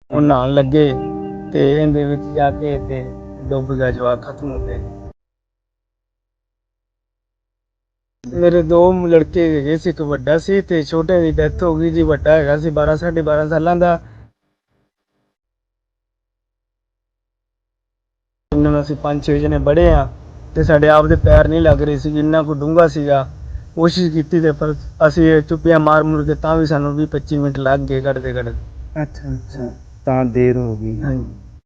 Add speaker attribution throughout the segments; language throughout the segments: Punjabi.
Speaker 1: ਉਹ ਨਹਾਉਣ ਲੱਗੇ ਤੇ ਇਹਦੇ ਵਿੱਚ ਜਾ ਕੇ ਤੇ ਡੁੱਬ ਗਿਆ, ਜਵਾਕ ਖਤਮ ਹੋ ਗਏ। ਮੇਰੇ ਦੋ ਲੜਕੇ ਹੈਗੇ ਸੀ, ਇੱਕ ਵੱਡਾ ਸੀ ਤੇ ਛੋਟੇ ਦੀ ਡੈਥ ਹੋ ਗਈ ਜੀ। ਵੱਡਾ ਹੈਗਾ ਸੀ 12 12.5 ਸਾਲਾਂ ਦਾ। ਇਹਨਾਂ ਨੂੰ ਅਸੀਂ 5-6 ਜਣੇ ਬੜੇ ਆ ਤੇ ਸਾਡੇ ਆਪ ਦੇ ਪੈਰ ਨਹੀਂ ਲੱਗ ਰਹੇ ਸੀ, ਇੰਨਾ ਕੋ ਡੂੰਘਾ ਸੀਗਾ। ਕੋਸ਼ਿਸ਼ ਕੀਤੀ ਤੇ ਪਰ ਅਸੀਂ ਚੁੱਪੀਆਂ ਮਾਰ ਮੁਰ ਕੇ ਤਾਂ ਵੀ ਸਾਨੂੰ 20-25 ਮਿੰਟ ਲੱਗ ਗਏ ਕੱਢਦੇ ਕੱਢਦੇ।
Speaker 2: ਅੱਛਾ ਅੱਛਾ, ਤਾਂ ਦੇਰ ਹੋ ਗਈ।
Speaker 1: ਹਾਂਜੀ।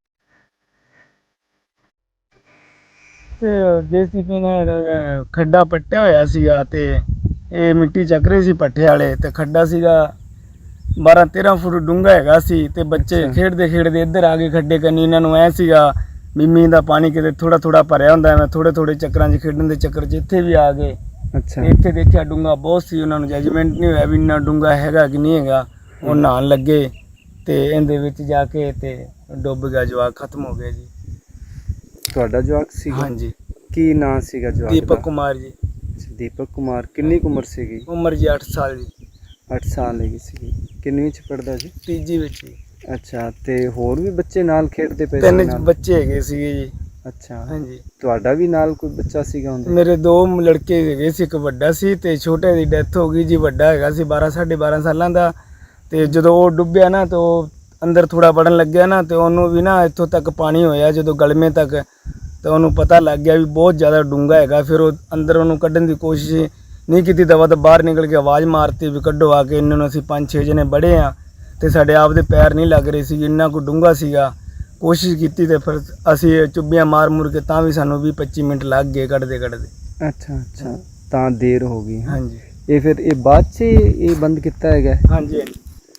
Speaker 1: ਤੇ JCB ਨੇ ਖੱਡਾ ਪੱਟਿਆ ਹੋਇਆ ਸੀਗਾ ਤੇ ਇਹ ਮਿੱਟੀ ਚੱਕ ਰਹੇ ਸੀ ਪੱਠੇ ਵਾਲੇ, ਤੇ ਖੱਡਾ ਸੀਗਾ 12-13 ਫੁੱਟ ਡੂੰਘਾ ਹੈਗਾ ਸੀ। ਤੇ ਬੱਚੇ ਖੇਡਦੇ ਖੇਡਦੇ ਇੱਧਰ ਆ ਗਏ ਖੱਡੇ ਕੰਨੀ। ਇਹਨਾਂ ਨੂੰ ਐ ਸੀਗਾ ਵੀ ਮੀਂਹ ਦਾ ਪਾਣੀ ਕਿਤੇ ਥੋੜਾ ਥੋੜਾ ਭਰਿਆ ਹੁੰਦਾ, ਮੈਂ ਥੋੜੇ ਥੋੜੇ ਚੱਕਰਾਂ 'ਚ ਖੇਡਣ ਦੇ ਚੱਕਰ 'ਚ ਇੱਥੇ ਵੀ ਆ ਗਏ।
Speaker 2: ਅੱਛਾ,
Speaker 1: ਇੱਥੇ ਦੇਖਿਆ ਡੂੰਘਾ ਬਹੁਤ ਸੀ, ਉਹਨਾਂ ਨੂੰ ਜੱਜਮੈਂਟ ਨਹੀਂ ਹੋਇਆ ਵੀ ਇੰਨਾ ਡੂੰਘਾ ਹੈਗਾ ਕਿ ਨਹੀਂ ਹੈਗਾ। ਉਹ ਨਹਾਉਣ ਲੱਗੇ ਤੇ ਇਹਦੇ ਵਿੱਚ ਜਾ ਕੇ ਤੇ ਡੁੱਬ ਗਿਆ, ਜਵਾਕ ਖਤਮ ਹੋ ਗਏ ਜੀ।
Speaker 2: ਤੁਹਾਡਾ ਜਵਾਕ ਸੀਗਾ?
Speaker 1: ਹਾਂਜੀ।
Speaker 2: ਕੀ ਨਾਂ ਸੀਗਾ ਜਵਾਕ ਦਾ?
Speaker 1: ਦੀਪਕ ਕੁਮਾਰ ਜੀ।
Speaker 2: ਦੀਪਕ ਕੁਮਾਰ। ਕਿੰਨੀ ਕੁ ਉਮਰ ਸੀਗੀ?
Speaker 1: ਉਮਰ ਜੀ 8 ਸਾਲ ਜੀ।
Speaker 2: 8 ਸਾਲ ਹੈਗੀ ਸੀਗੀ। ਕਿੰਨਵੀਂ ਚ ਪੜਦਾ ਜੀ?
Speaker 1: ਤੀਜੀ ਵਿੱਚ ਜੀ।
Speaker 2: ਅੱਛਾ, ਤੇ ਹੋਰ ਵੀ ਬੱਚੇ ਨਾਲ ਖੇਡਦੇ ਪਏ ਸੀ?
Speaker 1: 3 ਬੱਚੇ ਹੈਗੇ ਸੀਗੇ ਜੀ।
Speaker 2: ਅੱਛਾ,
Speaker 1: ਹਾਂਜੀ।
Speaker 2: ਤੁਹਾਡਾ ਵੀ ਨਾਲ ਕੋਈ ਬੱਚਾ ਸੀਗਾ ਹੁੰਦਾ?
Speaker 1: ਮੇਰੇ 2 ਲੜਕੇ ਹੈਗੇ ਸੀ, ਇੱਕ ਵੱਡਾ ਸੀ ਤੇ ਛੋਟੇ ਦੀ ਡੈਥ ਹੋ ਗਈ ਜੀ। ਵੱਡਾ ਹੈਗਾ ਸੀ 12 12.5 ਸਾਲਾਂ ਦਾ। ਤੇ ਜਦੋਂ ਉਹ ਡੁੱਬਿਆ ਨਾ ਤੇ ਉਹ ਅੰਦਰ ਥੋੜਾ ਵੜਨ ਲੱਗਿਆ ਨਾ, ਤੇ ਉਹਨੂੰ ਵੀ ਨਾ ਇੱਥੋਂ ਤੱਕ ਪਾਣੀ ਹੋਇਆ ਜਦੋਂ ਗਲਮੇ ਤੱਕ, ਤੇ ਉਹਨੂੰ ਪਤਾ ਲੱਗ ਗਿਆ ਵੀ ਬਹੁਤ ਜ਼ਿਆਦਾ ਡੂੰਘਾ ਹੈਗਾ। ਫਿਰ ਉਹ ਅੰਦਰ ਉਹਨੂੰ ਕੱਢਣ ਦੀ ਕੋਸ਼ਿਸ਼ ਨਹੀਂ ਕੀਤੀ, ਦਵਾ ਤਾਂ ਬਾਹਰ ਨਿਕਲ ਕੇ ਆਵਾਜ਼ ਮਾਰਤੀ ਵੀ ਕੱਢੋ ਆ ਕੇ। ਇਹਨਾਂ ਨੂੰ ਅਸੀਂ 5-6 ਜਣੇ ਬੜੇ ਆ ਤੇ ਸਾਡੇ ਆਪ ਦੇ ਪੈਰ ਨਹੀਂ ਲੱਗ ਰਹੇ ਸੀ, ਇੰਨਾ ਕੋ ਡੂੰਘਾ ਸੀਗਾ। ਕੋਸ਼ਿਸ਼ ਕੀਤੀ ਤੇ ਫਿਰ ਅਸੀਂ ਚੁੱਭੀਆਂ ਮਾਰ ਮੁਰ ਕੇ ਤਾਂ ਵੀ ਸਾਨੂੰ 20-25 ਮਿੰਟ ਲੱਗ ਗਏ ਕੱਢਦੇ ਕੱਢਦੇ।
Speaker 2: ਅੱਛਾ ਅੱਛਾ, ਤਾਂ ਦੇਰ ਹੋ ਗਈ।
Speaker 1: ਹਾਂਜੀ।
Speaker 2: ਇਹ ਫਿਰ ਇਹ ਬਾਅਦ 'ਚ ਇਹ ਬੰਦ ਕੀਤਾ ਹੈਗਾ?
Speaker 1: ਹਾਂਜੀ ਹਾਂਜੀ।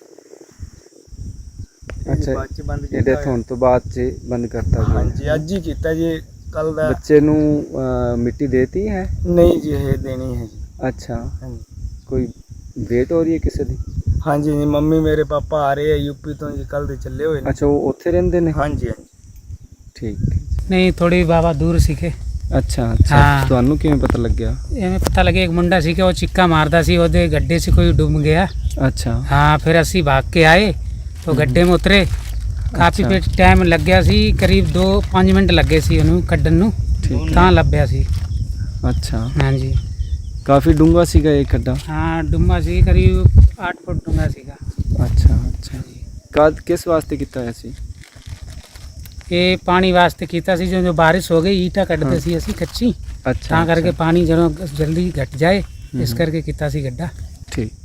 Speaker 2: ਅੱਛਾ,
Speaker 1: ਬਾਅਦ 'ਚ ਬੰਦ
Speaker 2: ਇਹ
Speaker 1: ਕੀਤਾ
Speaker 2: ਡੈਥ ਹੋਣ ਤੋਂ ਬਾਅਦ 'ਚ ਬੰਦ ਕਰਤਾ ਗਿਆ?
Speaker 1: ਹਾਂਜੀ, ਅੱਜ ਹੀ ਕੀਤਾ ਜੀ, ਕੱਲ ਦਾ।
Speaker 2: ਬੱਚੇ ਨੂੰ ਮਿੱਟੀ ਦੇਤੀ ਹੈ?
Speaker 1: ਨਹੀਂ ਜੀ, ਇਹ ਦੇਣੀ ਹੈ ਜੀ।
Speaker 2: ਅੱਛਾ,
Speaker 1: ਹਾਂਜੀ।
Speaker 2: ਕੋਈ ਵੇਟ ਹੋ ਰਹੀ ਹੈ ਕਿਸੇ ਦੀ?
Speaker 1: ਹਾਂਜੀ ਜੀ, ਮੰਮੀ ਮੇਰੇ ਪਾਪਾ ਆ ਰਹੇ ਆ ਯੂਪੀ ਤੋਂ ਜੀ, ਕੱਲ ਦੇ ਚੱਲੇ ਹੋਏ ਨੇ।
Speaker 2: ਅੱਛਾ, ਉਹ ਉੱਥੇ ਰਹਿੰਦੇ ਨੇ?
Speaker 1: ਹਾਂਜੀ ਹਾਂਜੀ।
Speaker 2: ਠੀਕ।
Speaker 3: ਨਹੀਂ, ਥੋੜੀ ਬਾਬਾ ਦੂਰ ਸੀਗੇ।
Speaker 2: ਅੱਛਾ ਅੱਛਾ,
Speaker 3: ਹਾਂ।
Speaker 2: ਤੁਹਾਨੂੰ ਕਿਵੇਂ ਪਤਾ ਲੱਗਿਆ?
Speaker 3: ਐਵੇਂ ਪਤਾ ਲੱਗਿਆ ਇੱਕ ਮੁੰਡਾ ਸੀ ਕਿ ਉਹ ਚਿੱਕਾ ਮਾਰਦਾ ਸੀ, ਉਹਦੇ ਗੱਡੇ 'ਚ ਕੋਈ ਡੁੱਬ ਗਿਆ।
Speaker 2: ਅੱਛਾ।
Speaker 3: हाँ, फिर असी भाग के आए तो गड्ढे में उतरे। काफ़ी
Speaker 2: अच्छा।
Speaker 3: टाइम लग गया सी, करीब 2-5 मिनट लगे सी ਉਹਨੂੰ ਕੱਢਣ ਨੂੰ, ਤਾਂ ਲੱਭਿਆ ਸੀ।
Speaker 2: ਅੱਛਾ,
Speaker 3: ਹਾਂਜੀ।
Speaker 2: ਕਾਫੀ ਡੂੰਘਾ ਸੀਗਾ ਇਹ ਖੱਡਾ?
Speaker 3: ਹਾਂ, ਡੂੰਘਾ ਸੀ, ਕਰੀਬ 8 ਫੁੱਟ ਡੂੰਘਾ ਸੀਗਾ।
Speaker 2: ਅੱਛਾ ਅੱਛਾ, ਕਿਸ ਵਾਸਤੇ ਕੀਤਾ ਹੋਇਆ ਸੀ?
Speaker 3: ਇਹ ਪਾਣੀ ਵਾਸਤੇ ਕੀਤਾ ਸੀ, ਜਦੋਂ ਬਾਰਿਸ਼ ਹੋ ਗਈ ਈਟਾਂ ਕੱਢਦੇ ਸੀ ਅਸੀਂ ਕੱਚੀ,
Speaker 2: ਅੱਛਾ,
Speaker 3: ਤਾਂ ਕਰਕੇ ਪਾਣੀ ਜਦੋਂ ਜਲਦੀ ਘਟ ਜਾਏ ਇਸ ਕਰਕੇ ਕੀਤਾ ਸੀ ਗੱਡਾ।
Speaker 2: ਠੀਕ।